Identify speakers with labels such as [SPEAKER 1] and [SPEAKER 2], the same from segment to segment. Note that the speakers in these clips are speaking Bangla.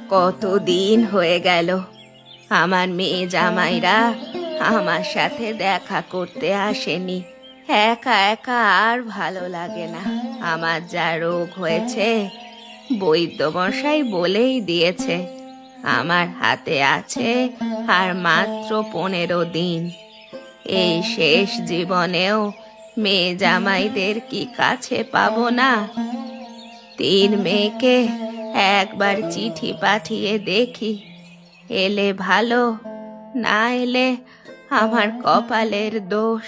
[SPEAKER 1] কতদিন হয়ে গেল আমার মেয়ে জামাইরা আমার সাথে দেখা করতে আসেনি। একা একা আর ভালো লাগে না। আমার যা রোগ হয়েছে বৈদ্যমশাই বলেই দিয়েছে, আমার হাতে আছে আর মাত্র 15 দিন। এই শেষ জীবনেও মেয়ে জামাইদের কি কাছে পাবো না? 3 মেয়েকে একবার চিঠি পাঠিয়ে দেখি, এলে ভালো, না এলে আমার কপালের দোষ।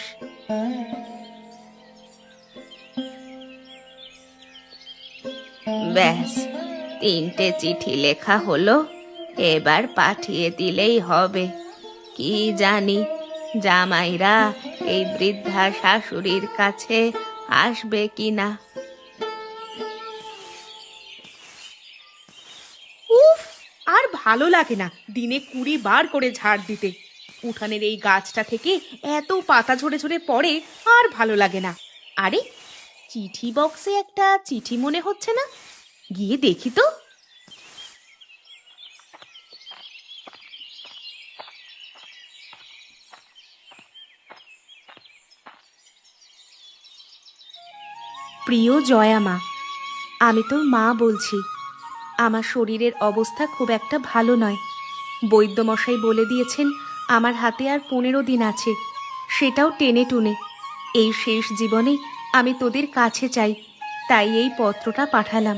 [SPEAKER 1] ব্যাস, 3টে চিঠি লেখা হলো, এবার পাঠিয়ে দিলেই হবে। কি জানি জামাইরা এই বৃদ্ধা শাশুড়ির কাছে আসবে কিনা।
[SPEAKER 2] উফ, আর ভালো লাগে না দিনে 20 বার করে ঝাড় দিতে। উঠানের এই গাছটা থেকে এত পাতা ঝরে ঝরে পড়ে, আর ভালো লাগে না। আরে, চিঠি বক্সে একটা চিঠি মনে হচ্ছে না? গিয়ে দেখি তো। প্রিয় জয়া মা, আমি তোর মা বলছি। আমার শরীরের অবস্থা খুব একটা ভালো নয়। বৈদ্যমশাই বলে দিয়েছেন আমার হাতে আর 15 দিন আছে, সেটাও টেনে টুনে। এই শেষ জীবনে আমি তোদের কাছে চাই, তাই এই পত্রটা পাঠালাম।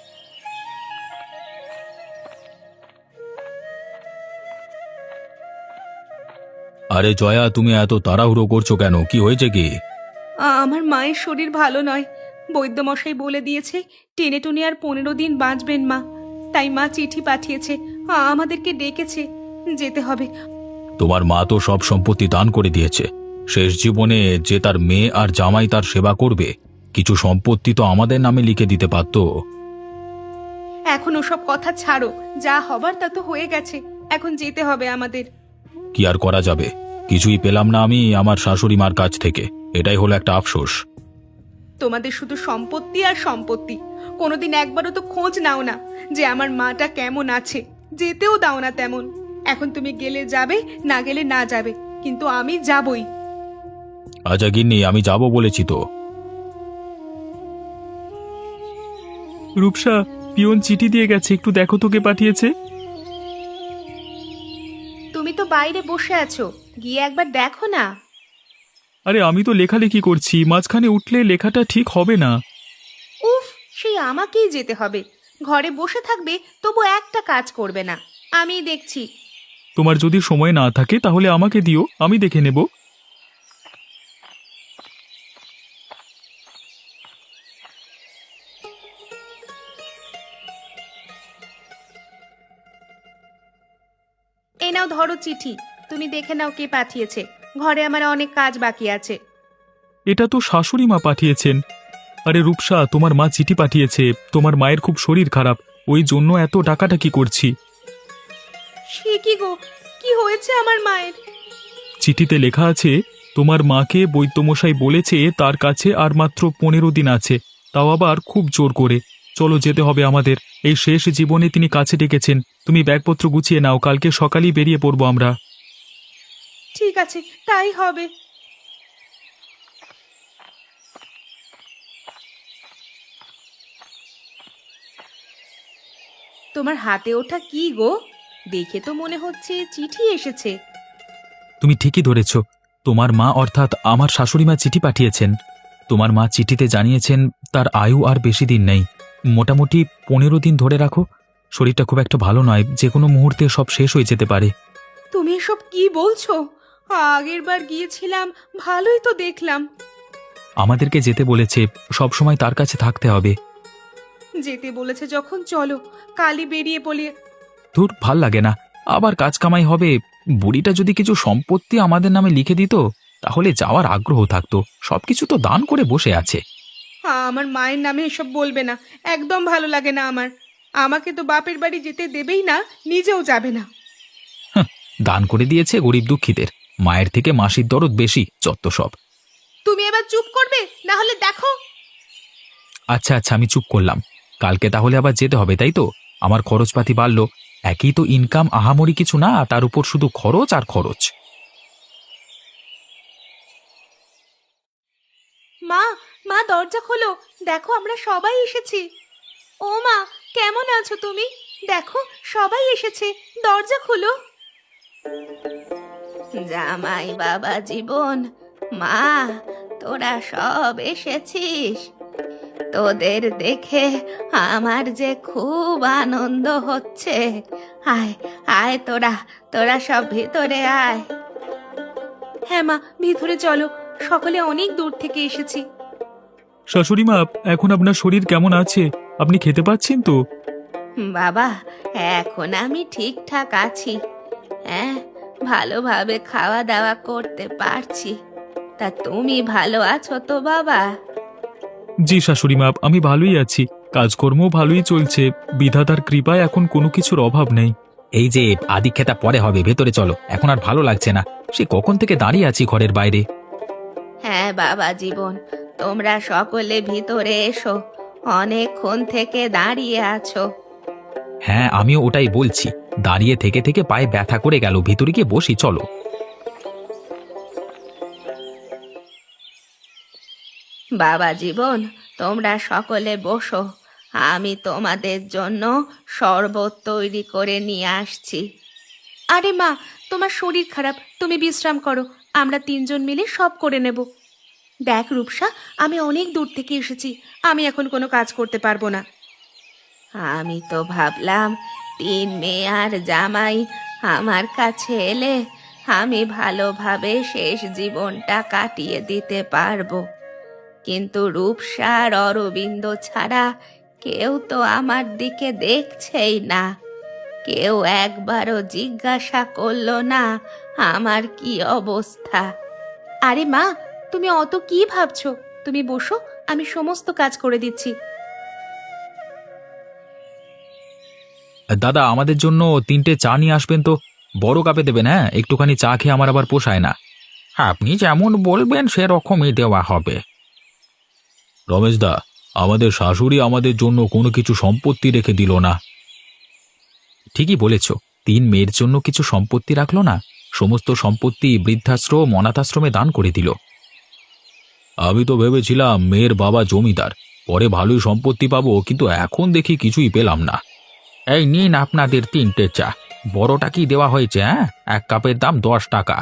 [SPEAKER 3] আরে জয়া, তুমি এত তাড়াহুড়ো করছো কেন? কি হয়েছে কি?
[SPEAKER 2] আমার মায়ের শরীর ভালো নয়। বৈদ্যমশাই বলে দিয়েছে টেনে টুনে আর 15 দিন বাঁচবেন মা। তাই মা চিঠি পাঠিয়েছে, আমাদেরকে ডেকেছে, যেতে হবে।
[SPEAKER 3] তোমার মা তো সব সম্পত্তি দান করে দিয়েছে। শেষ জীবনে যে তার মেয়ে আর জামাই তার সেবা করবে, কিছু সম্পত্তি তো আমাদের নামে লিখে দিতে পারতো।
[SPEAKER 2] এখন ওসব কথা ছাড়ো, যা হবার তা তো হয়ে গেছে, এখন যেতে হবে আমাদের।
[SPEAKER 3] কি আর করা যাবে, কিছুই পেলাম না আমি আমার শাশুড়ি মার কাছ থেকে, এটাই হলো একটা আফসোস।
[SPEAKER 2] তোমাদের শুধু সম্পত্তি আর সম্পত্তি, কোনোদিন একবারও তো খোঁজ নাও না যে আমার মাটা কেমন আছে, যেতেও দাও না তেমন। এখন তুমি গেলে যাবে, না গেলে না যাবে, কিন্তু আমি যাবই।
[SPEAKER 3] আচ্ছা গিন্নি, আমি যাব বলেছি তো।
[SPEAKER 4] রূপসা, পিয়ন চিঠি দিয়ে গেছে, একটু দেখো তো কে পাঠিয়েছে।
[SPEAKER 2] তুমি তো বাইরে বসে আছো, গিয়ে একবার দেখো না।
[SPEAKER 4] আরে আমি তো লেখালেখি করছি, মাঝখানে উঠলে লেখাটা ঠিক হবে না।
[SPEAKER 2] উফ, সেই আমাকেই যেতে হবে। ঘরে বসে থাকবে তবু একটা কাজ করবে না, আমি দেখছি।
[SPEAKER 4] তোমার যদি সময় না থাকে তাহলে আমাকে দিও, আমি দেখে নেব।
[SPEAKER 2] এই নাও ধরো চিঠি, তুমি দেখে নাও কে পাঠিয়েছে। ঘরে আমার অনেক কাজ বাকি আছে।
[SPEAKER 4] এটা তো শাশুড়ি মা পাঠিয়েছেন। আরে রূপসা, তোমার মা চিঠি পাঠিয়েছে, তোমার মায়ের খুব শরীর খারাপ, ওই জন্য এত ডাকাডাকি করছি।
[SPEAKER 2] সে কি গো, কি হয়েছে আমার মায়ের?
[SPEAKER 4] চিঠিতে লেখা আছে, তোমার মাকে বৈদ্যমশাই বলেছে তার কাছে আর মাত্র 15 দিন আছে, তাও আবার খুব জোর করে। চলো, যেতে হবে আমাদের, এই শেষ জীবনে তিনি কাছে ডেকেছেন। তুমি ব্যাগপত্র গুছিয়ে নাও, কালকে সকালেই বেরিয়ে পড়বো আমরা।
[SPEAKER 2] ঠিক আছে, তাই হবে। তোমার হাতে ওঠা কি গো? দেখে তো মনে হচ্ছে চিঠি এসেছে।
[SPEAKER 4] তুমি ঠিকই ধরেছ, তোমার মা অর্থাৎ আমার শাশুড়ি মা চিঠি পাঠিয়েছেন। তোমার মা চিঠিতে জানিয়েছেন তার আয়ু আর বেশি দিন নেই, মোটামুটি 15 দিন ধরে রাখো। শরীরটা খুব একটা ভালো নয়, যে কোনো মুহূর্তে সব শেষ হয়ে যেতে পারে।
[SPEAKER 2] তুমি এসব কি বলছো? আগের বার গিয়েছিলাম, ভালোই তো দেখলাম।
[SPEAKER 4] আমাদেরকে যেতে বলেছে, সব সময় তার কাছে থাকতে হবে।
[SPEAKER 2] যেতে বলেছে যখন চলো, কালই বেরিয়ে পড়ি।
[SPEAKER 4] ধুর, ভাল লাগে না, আবার কাজ কামাই হবে। বুড়িটা যদি কিছু সম্পত্তি আমাদের নামে লিখে দিত তাহলে যাওয়ার আগ্রহ থাকতো, সবকিছু তো দান করে বসে আছে।
[SPEAKER 2] আমার মায়ের নামে এসব বলবে না, একদম ভালো লাগে না আমার। আমাকে তো বাপের বাড়ি যেতে দেবেই না, নিজেও যাবে না।
[SPEAKER 4] দান করে দিয়েছে গরিব দুঃখীদের, মায়ের থেকে মাসির দরদ বেশি, যত সব।
[SPEAKER 2] তুমি এবার চুপ করবে, না হলে দেখো।
[SPEAKER 4] আচ্ছা আচ্ছা, আমি চুপ করলাম। কালকে তাহলে আবার যেতে হবে, তাই তো? আমার খরচপাতি বাড়লো,
[SPEAKER 3] একই তো ইনকাম, আহামরি কিছু না, তার উপর শুধু খরচ আর খরচ।
[SPEAKER 2] মা, মা দরজা খোলো, দেখো আমরা সবাই এসেছি। ও মা, কেমন আছো তুমি? দেখো সবাই এসেছে, দরজা খোলো।
[SPEAKER 1] জামাই বাবা জীবন, মা, তোরা সব এসেছিস। তোদের দেখে আমার যে খুব আনন্দ হচ্ছে। আয় আয়, তোরা তোরা সব ভিতরে আয়।
[SPEAKER 2] হ্যাঁ মা, ভিতরে চলো, সকলে অনেক দূর থেকে এসেছি।
[SPEAKER 4] শাশুড়ি মা, এখন আপনার শরীর কেমন আছে? আপনি খেতে পাচ্ছেন তো?
[SPEAKER 1] বাবা, এখন আমি ঠিকঠাক আছি। হ্যাঁ, ভালোভাবে খাওয়া দাওয়া করতে পারছি। তা তুমি ভালো আছো তো বাবা?
[SPEAKER 4] জি শাশুড়ি মা, আমি ভালোই আছি, কাজকর্ম ভালোই চলছে, বিধাতার কৃপায় এখন কোনো কিছুর অভাব নেই।
[SPEAKER 3] এই যে আদিক্ষেতা পরে হবে, ভেতরে চলো, এখন আর ভালো লাগছে না, সে কখন থেকে দাঁড়িয়ে আছি ঘরের বাইরে।
[SPEAKER 1] হ্যাঁ বাবা জীবন, তোমরা সকলে ভিতরে এসো, অনেকক্ষণ থেকে দাঁড়িয়ে আছো।
[SPEAKER 3] হ্যাঁ, আমিও ওটাই বলছি, দাঁড়িয়ে থেকে থেকে পায়ে ব্যথা করে গেল, ভিতরে গিয়ে বসি চলো।
[SPEAKER 1] বাবা জীবন, তোমরা সকলে বসো, আমি তোমাদের জন্য শরবত তৈরি করে নিয়ে আসছি।
[SPEAKER 2] আরে মা, তোমার শরীর খারাপ, তুমি বিশ্রাম করো, আমরা তিনজন মিলে সব করে নেব। দেখ রূপসা, আমি অনেক দূর থেকে এসেছি, আমি এখন কোনো কাজ করতে পারবো না।
[SPEAKER 1] আমি তো ভাবলাম 3 মেয়ে আর জামাই আমার কাছে এলে আমি ভালোভাবে শেষ জীবনটা কাটিয়ে দিতে পারবো, কিন্তু রূপসা আর অরবিন্দ ছাড়া কেউ তো আমার দিকে দেখছেই না। কেউ একবারও জিজ্ঞাসা করলো না আমার কি অবস্থা।
[SPEAKER 2] আরে মা, তুমি অত কি ভাবছো? তুমি বসো, আমি সমস্ত কাজ করে দিচ্ছি।
[SPEAKER 3] দাদা, আমাদের জন্য 3টে চা নিয়ে আসবেন তো, বড় কাপে দেবেন। হ্যাঁ, একটুখানি চা খেয়ে আমার আবার পোষায় না। আপনি যেমন বলবেন সেরকমই দেওয়া হবে। রমেশ দা, আমাদের শাশুড়ি আমাদের জন্য কোনো কিছু সম্পত্তি রেখে দিল না। ঠিকই বলেছ, 3 মেয়ের জন্য কিছু সম্পত্তি রাখলো না, সমস্ত সম্পত্তি বৃদ্ধাশ্রম অনাথাশ্রমে দান করে দিল। আমি তো ভেবেছিলাম মেয়ের বাবা জমিদার, পরে ভালোই সম্পত্তি পাবো, কিন্তু এখন দেখি কিছুই পেলাম না। এই নিন আপনাদের 3টে চা, বড়টা কি দেওয়া হয়েছে? হ্যাঁ, এক কাপের দাম 10 টাকা।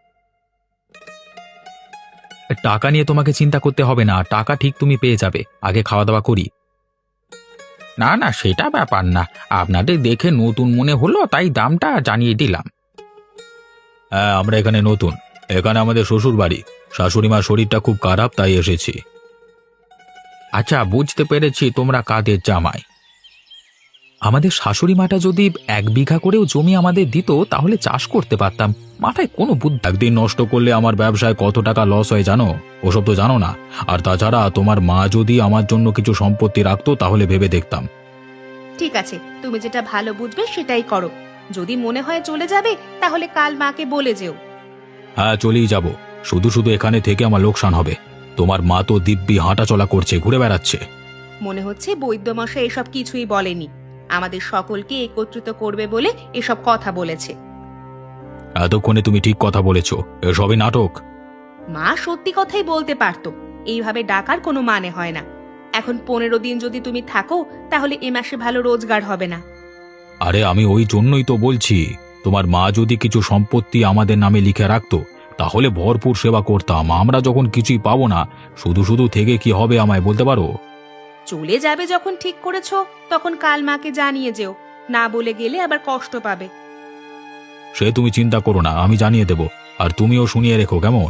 [SPEAKER 3] টাকা নিয়ে তোমাকে চিন্তা করতে হবে না, টাকা ঠিক তুমি পেয়ে যাবে, আগে খাওয়া দাওয়া করি। না না, সেটা ব্যাপার না, আপনাদের দেখে নতুন মনে হলো তাই দামটা জানিয়ে দিলাম। হ্যাঁ, আমরা এখানে নতুন, এখানে আমাদের শ্বশুর বাড়ি, শাশুড়িমার শরীরটা খুব খারাপ তাই এসেছি। আচ্ছা, বুঝতে পেরেছি তোমরা কাদের জামাই। আমাদের শাশুড়ি মাটা যদি 1 বিঘা করেও জমি আমাদের দিত তাহলে চাষ করতে পারতাম, মাথায় কোনো বুদ্ধি। একদিন নষ্ট করলে আমার ব্যবসায় কত টাকা লস হয় জানো? ওসব তো জানো না। আর তাছাড়া তোমার মা যদি আমার জন্য কিছু সম্পত্তি রাখতো তাহলে ভেবে দেখতাম।
[SPEAKER 2] ঠিক আছে, তুমি যেটা ভালো বুঝবে সেটাই করো। যদি মনে হয় চলে যাবে তাহলে কাল মাকে বলে যেও।
[SPEAKER 3] হ্যাঁ, চলেই যাব, শুধু শুধু এখানে থেকে আমার লোকসান হবে। তোমার মা তো দিব্যি হাঁটাচলা করছে, ঘুরে বেড়াচ্ছে।
[SPEAKER 2] মনে হচ্ছে বৈদ্যমশাই এসব কিছুই বলেনি, আমাদের সকলকে একত্রিত করবে বলে এসব কথা বলেছে।
[SPEAKER 3] এতক্ষণে তুমি ঠিক কথা বলেছ, এসবই নাটক।
[SPEAKER 2] মা সত্যি কথাই বলতে পারতো, এইভাবে ডাকার কোনো মানে হয় না। এখন 15 দিন যদি তুমি থাকো তাহলে এ মাসে ভালো রোজগার হবে না।
[SPEAKER 3] আরে আমি ওই জন্যই তো বলছি, তোমার মা যদি কিছু সম্পত্তি আমাদের নামে লিখে রাখতো তাহলে ভরপুর সেবা করতাম। আমরা যখন কিছুই পাবো না, শুধু শুধু থেকে কি হবে আমায় বলতে পারো?
[SPEAKER 2] চলে যাবে যখন ঠিক করেছো তখন কাল মাকে জানিয়ে যেও, না বলে গেলে আবার কষ্ট পাবে।
[SPEAKER 3] সে তুমি চিন্তা করো না, আমি জানিয়ে দেব, আর তুমিও শুনিয়ে রেখো কেমন।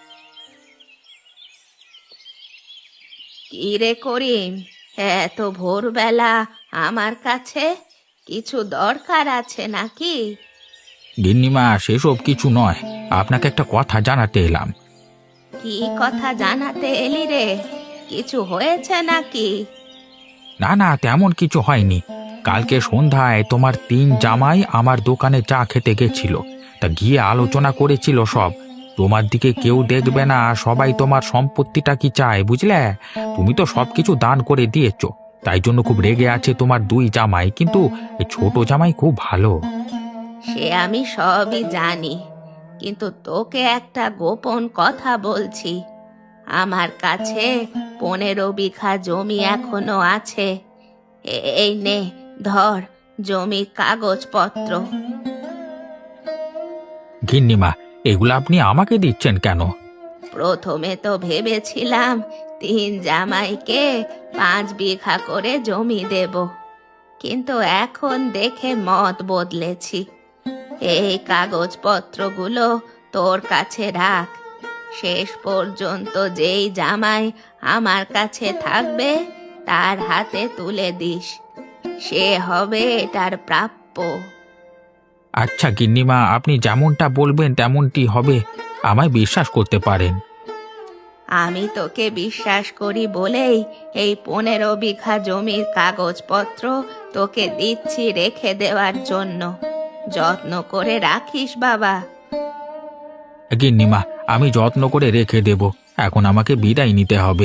[SPEAKER 1] কি রে করিম, এত ভোরবেলা আমার কাছে কিছু দরকার আছে নাকি?
[SPEAKER 3] গিন্নিমা, সেসব কিছু নয়, আপনাকে একটা কথা জানাতে এলাম।
[SPEAKER 1] কি কথা জানাতে এলি রে? কিছু হয়েছে নাকি?
[SPEAKER 3] না না, তেমন কিছু হয়নি। কালকে সন্ধ্যায় তোমার 3 জামাই আমার দোকানে চা খেতে গেছিল, তা গিয়ে আলোচনা করেছিল সব। তোমার দিকে কেউ দেখবে না, সবাই তোমার সম্পত্তিটা কি চায় বুঝলে। তুমি তো সবকিছু দান করে দিয়েছো, তাই জন্য খুব রেগে আছে তোমার দুই জামাই, কিন্তু এই ছোট জামাই খুব ভালো।
[SPEAKER 1] সে আমি সবই জানি, কিন্তু তোকে একটা গোপন কথা বলছি। আমার কাছে 15 বিঘা জমি এখনো আছে। এই নে, ধর জমির কাগজপত্র।
[SPEAKER 3] গিন্নিমা, এগুলো আপনি আমাকে দিচ্ছেন কেন?
[SPEAKER 1] প্রথমে তো ভেবেছিলাম 3 জামাইকে 5 বিঘা করে জমি দেব, কিন্তু এখন দেখে মত বদলেছি। এই কাগজপত্রগুলো তোর কাছে রাখ। শেষ পর্যন্ত যেই জামাই আমার কাছে থাকবে তার হাতে তুলে দিস, সে হবে এটার প্রাপ্য।
[SPEAKER 3] আচ্ছা গিন্নিমা, আপনি যেমনটা বলবেন তেমনটি হবে, আমায় বিশ্বাস করতে পারেন।
[SPEAKER 1] আমি তোকে বিশ্বাস করি বলেই এই 15 বিঘা জমির কাগজপত্র তোকে দিচ্ছি রেখে দেওয়ার জন্য। যত্ন করে রাখিস বাবা।
[SPEAKER 3] গিন্নিমা, আমি যত্ন করে রেখে দেব। এখন আমাকে বিদায় নিতে হবে।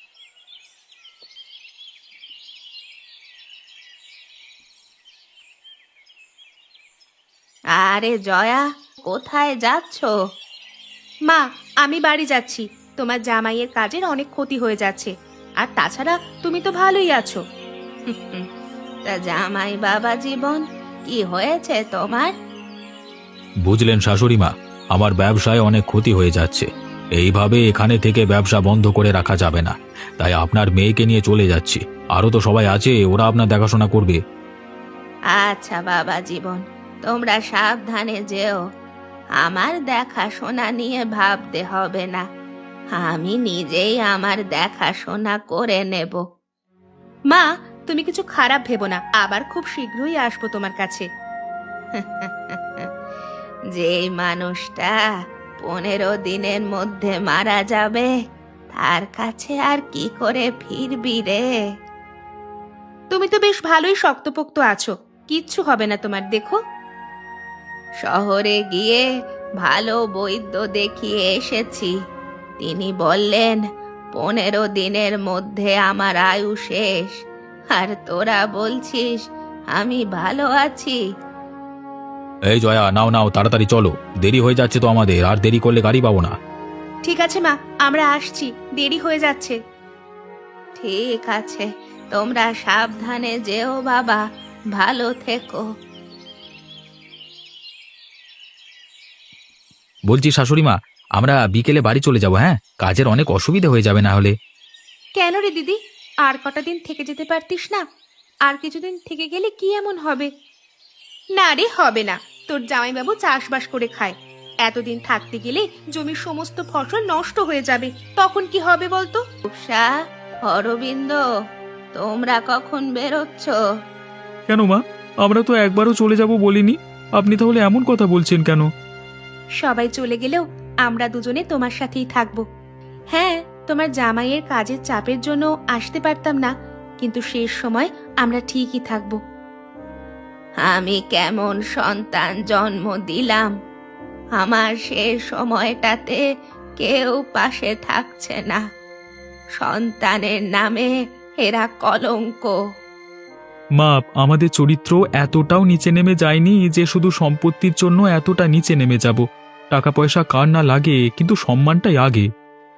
[SPEAKER 1] আরে জয়া, কোথায় যাচ্ছ?
[SPEAKER 2] মা, আমি বাড়ি যাচ্ছি। তোমার জামাইয়ের কাজের অনেক ক্ষতি হয়ে যাচ্ছে, আর তাছাড়া তুমি তো ভালোই আছো।
[SPEAKER 1] তা জামাই বাবা জীবন, কি হয়েছে তোমার?
[SPEAKER 3] বুঝলেন শাশুড়িমা, আমার ব্যবসায় অনেক ক্ষতি হয়ে যাচ্ছে। এইভাবে এখানে থেকে ব্যবসা বন্ধ করে রাখা যাবে না, তাই আপনার মেয়েকে নিয়ে চলে যাচ্ছি। আরও তো সবাই আছে, ওরা আপনার দেখাশোনা করবে।
[SPEAKER 1] আচ্ছা বাবা জীবন, তোমরা সাবধানে যেও। আমার দেখাশোনা নিয়ে ভাবতে হবে না, আমি নিজেই আমার দেখাশোনা করে নেব।
[SPEAKER 2] মা, তুমি কিছু খারাপ ভেবো না, আবার খুব শীঘ্রই আসবো তোমার কাছে।
[SPEAKER 1] যেই মানুষটা 15 দিনের মধ্যে মারা যাবে, তার কাছে আর কি করে ফিরবি রে?
[SPEAKER 2] তুমি তো বেশ ভালোই শক্তপোক্ত আছো, কিচ্ছু হবে না তোমার, দেখো।
[SPEAKER 1] শহরে গিয়ে ভালো বৈদ্য দেখিয়ে এসেছি। তিনি বললেন 15 দিনের মধ্যে আমার আয়ু শেষ, আর তোরা বলছিস আমি ভালো আছি।
[SPEAKER 3] এই জয়া, নাও নাও, তাড়াতাড়ি চলো, দেরি হয়ে যাচ্ছে তো আমাদের, আর দেরি করলে গাড়ি পাবো না।
[SPEAKER 2] ঠিক আছে মা, আমরা আসছি, দেরি হয়ে যাচ্ছে।
[SPEAKER 1] ঠিক আছে, তোমরা সাবধানে যেও বাবা, ভালো থেকো।
[SPEAKER 3] বলছি শাশুড়িমা, আমরা বিকেলে বাড়ি চলে যাব। হ্যাঁ, কাজের অনেক অসুবিধা হয়ে যাবে না হলে।
[SPEAKER 2] কেন রে দিদি, আর কটা দিন থেকে যেতে পারতিস না? আর কিছুদিন থেকে গেলে কি এমন হবে? না রে, হবে না। তোর জামাইবাবু চাষবাস করে খায়, এতদিন থাকতে গেলে জমির সমস্ত ফসল নষ্ট হয়ে যাবে, তখন কি হবে বলতো?
[SPEAKER 1] রূপসা, অরবিন্দ, তোমরা কখন বেরোচ্ছ?
[SPEAKER 4] কেন মা, আমরা তো একবারও চলে যাব বলিনি, আপনি তাহলে এমন কথা বলছেন কেন?
[SPEAKER 2] সবাই চলে গেলেও আমরা দুজনে তোমার সাথেই থাকবো। হ্যাঁ, তোমার জামাইয়ের কাজের চাপের জন্য আসতে পারতাম না, কিন্তু শেষ সময় আমরা ঠিকই থাকবো।
[SPEAKER 1] আমি কেমন সন্তান জন্ম দিলাম, আমার শেষ সময়টাতে কেউ পাশে থাকছে না। সন্তানের নামে এরা কলঙ্ক।
[SPEAKER 4] মা, আমাদের চরিত্র এতটাও নিচে নেমে যায়নি যে শুধু সম্পত্তির জন্য এতটা নিচে নেমে যাব। টাকা পয়সা কার না লাগে, কিন্তু সম্মানটাই আগে।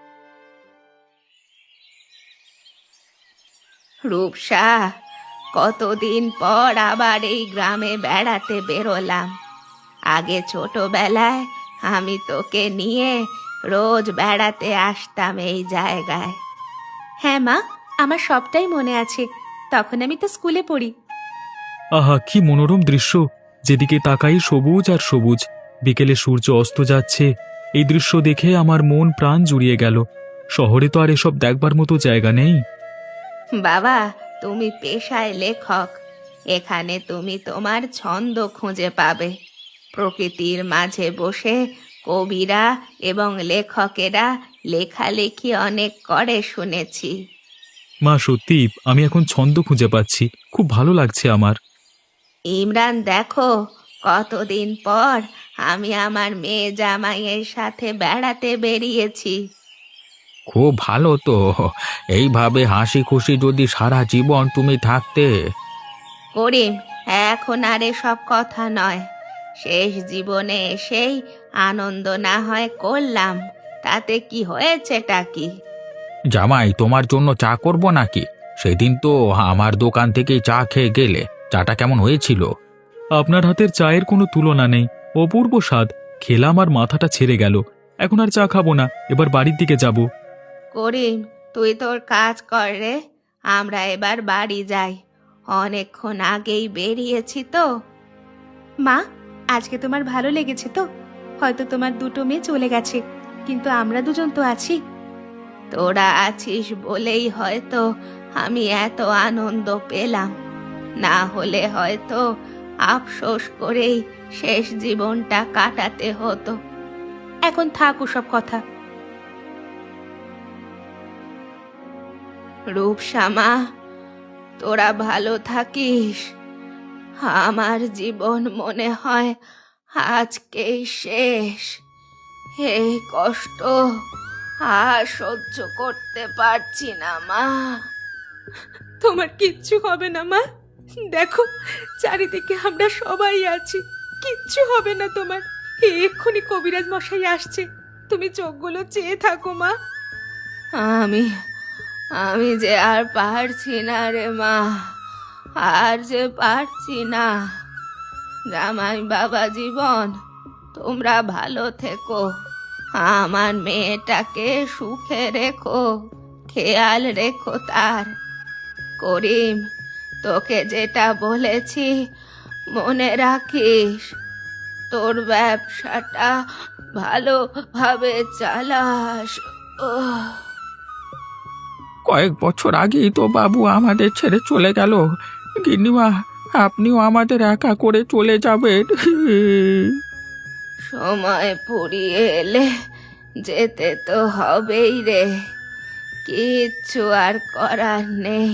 [SPEAKER 1] রূপসা, কতদিন পর আবার এই গ্রামে বেড়াতে বেরোলাম। আগে ছোটবেলায় আমি তোকে নিয়ে রোজ বেড়াতে আসতাম এই জায়গায়।
[SPEAKER 2] হ্যাঁ মা, আমার সবটাই মনে আছে, তখন আমি তো স্কুলে পড়ি।
[SPEAKER 4] আহা, কি মনোরম দৃশ্য! যেদিকে তাকাই সবুজ আর সবুজ। বিকেলে সূর্য অস্ত যাচ্ছে, এই দৃশ্য দেখে আমার মন প্রাণ জুড়িয়ে গেল। শহরে তো আর এসব দেখবার মতো জায়গা নেই।
[SPEAKER 1] বাবা, তুমি পেশায় লেখক, এখানে তুমি তোমার ছন্দ খুঁজে পাবে। প্রকৃতির মাঝে বসে কবিরা এবং লেখকেরা লেখালেখি অনেক করে শুনেছি।
[SPEAKER 4] মা, সত্যি আমি এখন ছন্দ খুঁজে পাচ্ছি, খুব ভালো লাগছে আমার।
[SPEAKER 1] ইমরান, দেখো কতদিন পর আমি আমার মেয়ে জামাইয়ের সাথে বেড়াতে বেরিয়েছি।
[SPEAKER 3] খুব ভালো তো। এইভাবে হাসি খুশি যদি সারা জীবন তুমি থাকতে।
[SPEAKER 1] করিম, এখন আর এসব কথা নয়। শেষ জীবনে এসেই আনন্দ না হয় করলাম, তাতে কি হয়েছেটা কি?
[SPEAKER 3] জামাই, তোমার জন্য চা করব নাকি? সেদিন তো আমার দোকান থেকেই চা খেয়ে গেলে, চাটা কেমন হয়েছিল?
[SPEAKER 4] আপনার হাতের চায়ের কোনো তুলনা নেই, অপূর্ব স্বাদ। খেলাম আর মাথাটা ছেড়ে গেল। এখন আর চা খাবো না, এবার বাড়ির দিকে যাব।
[SPEAKER 1] করিম, তুই তোর কাজ কর রে, আমরা এবার বাড়ি যাই। অনেকক্ষণ আগেই বেরিয়েছি তো।
[SPEAKER 2] মা, আজকে তোমার ভালো লেগেছে তো? হয়তো তোমার দুটো মেয়ে চলে গেছে, কিন্তু আমরা দুজন তো আছি।
[SPEAKER 1] তোরা আছিস বলেই হয়তো আমি এত আনন্দ পেলাম, না হলে হয়তো আফসোস করেই শেষ জীবনটা কাটাতে হতো।
[SPEAKER 2] এখন থাক ওসব কথা।
[SPEAKER 1] রূপসামা, তোরা ভালো থাকিস। আমার জীবন মনে হয় আজকেই শেষ। এই কষ্ট আর সহ্য করতে পারছি না মা।
[SPEAKER 2] তোমার কিচ্ছু হবে না মা, দেখো চারিদিকে আমরা সবাই আছি, কিচ্ছু হবে না তোমার। এক্ষুনি কবিরাজ মশাই আসছে, তুমি চোখগুলো চেয়ে থাকো মা।
[SPEAKER 1] আমি আমি যে আর পারছি না রে মা, আর যে পারছি না। জামাই বাবা জীবন, তোমরা ভালো থেকো। আমার মেয়েটাকে সুখে রেখো, খেয়াল রেখো তার। করিম, তোকে যেটা বলেছি মনে রাখিস। তোর ব্যবসাটা ভালোভাবে চালাস। ওহ,
[SPEAKER 3] কয়েক বছর আগেই তো বাবু আমাদের ছেড়ে চলে গেল। গিন্নিমা, আপনিও আমাদের একা করে চলে যাবেন?
[SPEAKER 1] সময় ফুরিয়ে এলে যেতে তো হবেই রে, কিচ্ছু আর করার নেই।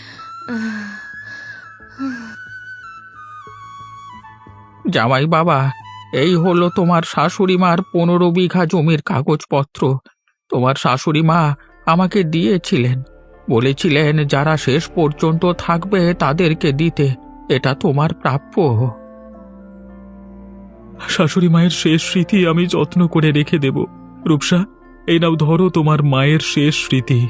[SPEAKER 3] জামাই বাবা, এই হলো তোমার শাশুড়ি মার 15 বিঘা জমির কাগজপত্র। তোমার শাশুড়ি মা আমাকে দিয়েছিলেন, বলেছিলেন যারা শেষ পর্যন্ত থাকবে তাদেরকে দিতে। এটা তোমার প্রাপ্য।
[SPEAKER 4] শাশুড়ি মায়ের শেষ স্মৃতি আমি যত্ন করে রেখে দেব। রূপসা, এই নাও ধরো তোমার মায়ের শেষ স্মৃতি।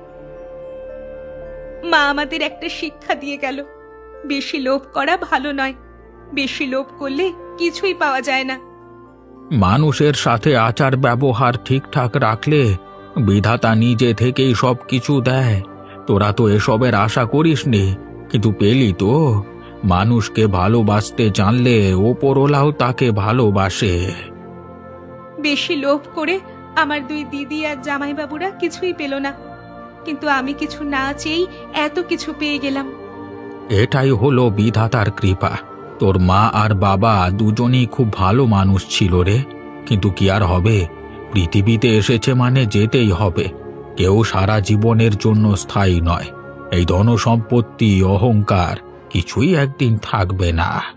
[SPEAKER 2] মা আমাদের একটা শিক্ষা দিয়ে গেল, বেশি লোভ করা ভালো নয়। বেশি লোভ করলে কিছুই পাওয়া যায় না।
[SPEAKER 3] মানুষের সাথে আচার ব্যবহার ঠিকঠাক রাখলে বিধাতা নিজে থেকেই সব কিছু দেয়। তোরা তো এসবের আশা করিসনি, কিন্তু পেলি তো। মানুষকে ভালোবাসতে জানলে ওপরওয়ালাও তাকে ভালোবাসে।
[SPEAKER 2] বেশি লোভ করে আমার দুই দিদি আর জামাইবাবুরা কিছুই পেল না, কিন্তু আমি কিছু না চেয়েই এত কিছু পেয়ে গেলাম।
[SPEAKER 3] এটাই হলো বিধাতার কৃপা। তোর মা আর বাবা দুজনেই খুব ভালো মানুষ ছিল রে, কিন্তু কি আর হবে, পৃথিবীতে এসেছে মানে যেতেই হবে। কেউ সারা জীবনের জন্য স্থায়ী নয়। এই ধনসম্পত্তি, অহংকার কিছুই একদিন থাকবে না।